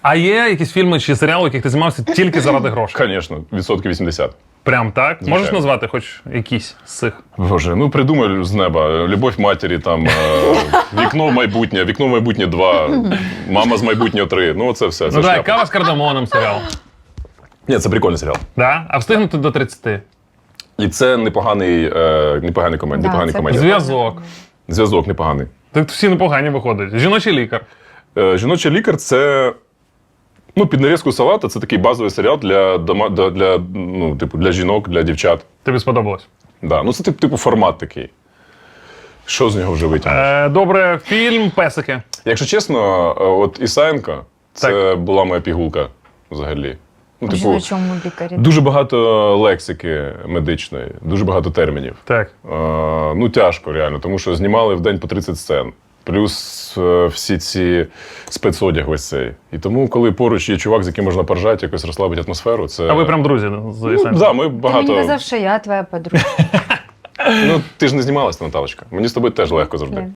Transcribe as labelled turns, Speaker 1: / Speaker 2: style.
Speaker 1: А є якісь фільми чи серіали, в яких ти знімався тільки заради грошей?
Speaker 2: Звісно, 80%.
Speaker 1: Прям так?
Speaker 2: Звичайно.
Speaker 1: Можеш назвати хоч якісь з цих?
Speaker 2: Боже, ну придумай з неба. Любов матері, там, вікно в майбутнє 2, мама з майбутнього 3. Ну, це все. Це
Speaker 1: Ну так,
Speaker 2: шляпа.
Speaker 1: кава з кардамоном серіал.
Speaker 2: Ні, це прикольний серіал.
Speaker 1: Да? А встигнути до 30?
Speaker 2: І це непоганий комедія.
Speaker 1: Зв'язок.
Speaker 2: Зв'язок непоганий.
Speaker 1: Так всі непогані виходять. Жіночий лікар.
Speaker 2: Жіночий лікар це. Ну, під нарізку салата це такий базовий серіал для жінок, для дівчат.
Speaker 1: Тобі сподобалось?
Speaker 2: Да. Ну, це типу формат такий. Що з нього вже витягнеш?
Speaker 1: Добре, фільм «Песики».
Speaker 2: Якщо чесно, от Ісаєнко це була моя пігулка взагалі. Ну,
Speaker 3: В жіночому лікарі.
Speaker 2: дуже багато лексики медичної, дуже багато термінів.
Speaker 1: Так.
Speaker 2: Ну, тяжко реально, тому що знімали в день по 30 сцен. Плюс всі ці спецодяг весь цей. І тому, коли поруч є чувак, з яким можна поржати, якось розслабити атмосферу, це...
Speaker 1: А ви прям друзі з
Speaker 2: Ну,
Speaker 1: Ісаєнком?
Speaker 2: да, ми
Speaker 3: Ти
Speaker 2: багато...
Speaker 3: мені казав, що я твоя подруга.
Speaker 2: Ну, ти ж не знімалась, Наталочка. Мені з тобою теж легко завжди.